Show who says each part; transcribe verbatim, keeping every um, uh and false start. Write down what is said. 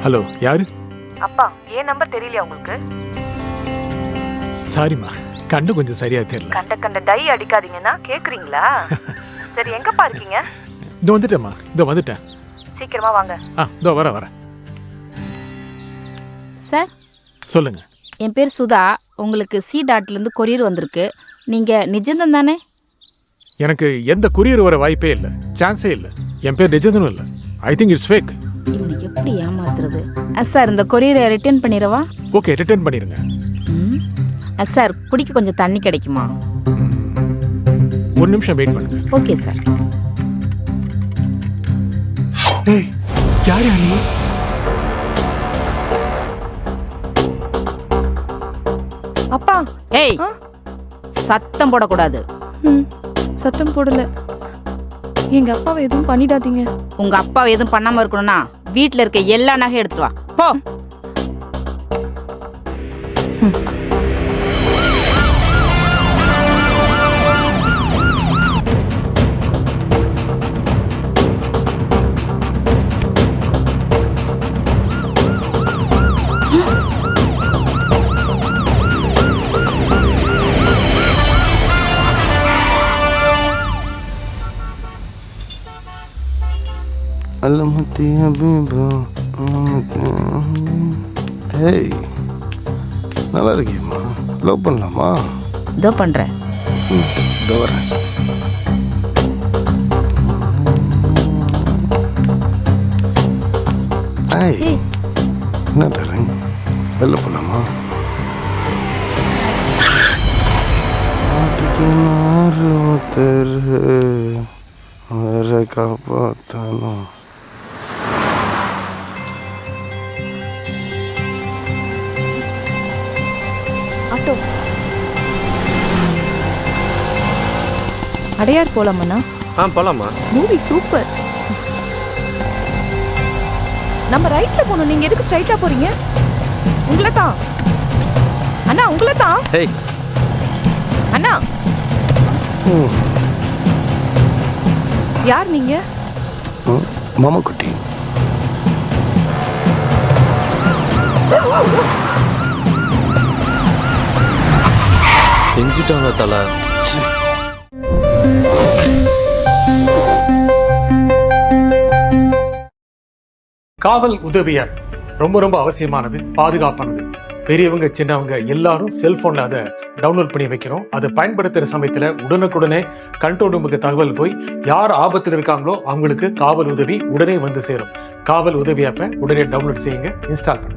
Speaker 1: Hello, யாரு?
Speaker 2: அப்பா, ஏன் நம்பர் தெரியலையா உங்களுக்கு?
Speaker 1: சாரிம்மா, கண்ணு கொஞ்சம் சரியா தெரியல.
Speaker 2: கண்ட கண்ட டை அடிக்காதீங்கன்னா கேக்குறீங்களா? சரி, எங்கப்பா இருக்கீங்க?
Speaker 1: இதோ வந்துட்டேம்மா, இதோ வந்துட்டேன்.
Speaker 2: சீக்கிரமா வாங்க.
Speaker 1: ஆ, இதோ வர வர.
Speaker 3: சார்,
Speaker 1: சொல்லுங்க.
Speaker 3: என் பேர் சுதா. உங்களுக்கு சி டாட்லேருந்து கொரியர் வந்திருக்கு. நீங்கள் நிஜந்தன் தானே?
Speaker 1: எனக்கு எந்த கொரியர் வர வாய்ப்பே இல்லை, சான்ஸே இல்லை. என் பேர் நிஜந்தனும் இல்லை. I think it's fake.
Speaker 3: இவனை எப்படி ஏமாத்துறது? சார், இந்த கொரியரை ரிட்டர்ன் பண்ணிடவா?
Speaker 1: ஓகே, ரிட்டர்ன் பண்ணிடுங்க.
Speaker 3: ம். சார், குடிக்க கொஞ்சம் தண்ணி கிடைக்குமா?
Speaker 1: ஒரு நிமிஷம் வெயிட் பண்ணுங்க.
Speaker 3: Okay sir.
Speaker 1: ஏய், யார் யாரு?
Speaker 4: அப்பா.
Speaker 3: ஏய், சத்தம் போடக்கூடாது.
Speaker 4: ம், சத்தம் போடல. எங்க அப்பாவை எதுவும் பண்ணிடாதீங்க.
Speaker 3: உங்க அப்பாவை எதுவும் பண்ணாம இருக்கணும்னா வீட்டில் இருக்க எல்லா நகையும் எடுத்துட்டு வா. போ.
Speaker 5: ஏய், நல்லா இருக்கியம்மா. லவ் பண்ணலாமா?
Speaker 3: இதோ பண்றேன்.
Speaker 5: ம், இதோ வரேன். ஏய், என்ன டார்லிங், வெளில போகலாமா? வேற காப்பாற்றணும்.
Speaker 4: ஆட்டோ. அடையார் போலாமண்ணா?
Speaker 6: ஆ, போலாமா?
Speaker 4: Movie super. நம்ம ரைட்ல போகணும். நீங்க எதுக்கு ஸ்ட்ரைட்டா போறீங்க? உங்களை தான் அண்ணா, உங்களை தான்.
Speaker 6: ஹேய்
Speaker 4: அண்ணா,
Speaker 5: ம்,
Speaker 4: யார் நீங்க?
Speaker 5: ம், மாமா குட்டி.
Speaker 6: செஞ்சுட்டாங்க தலை.
Speaker 1: காவல் உதவியார் ரொம்ப ரொம்ப அவசியமானது, பாதுகாப்பானது. பெரியவங்க சின்னவங்க எல்லாரும் செல்போன்ல அதை டவுன்லோட் பண்ணி வைக்கிறோம். அதை பயன்படுத்துற சமயத்துல உடனுக்குடனே கண்ட்ரோல் ரூமுக்கு தகவல் போய் யார் ஆபத்தில் இருக்காங்களோ அவங்களுக்கு காவல் உதவி உடனே வந்து சேரும். காவல் உதவி ஆப்பை உடனே டவுன்லோட் செய்யுங்க, இன்ஸ்டால் பண்ணுங்க.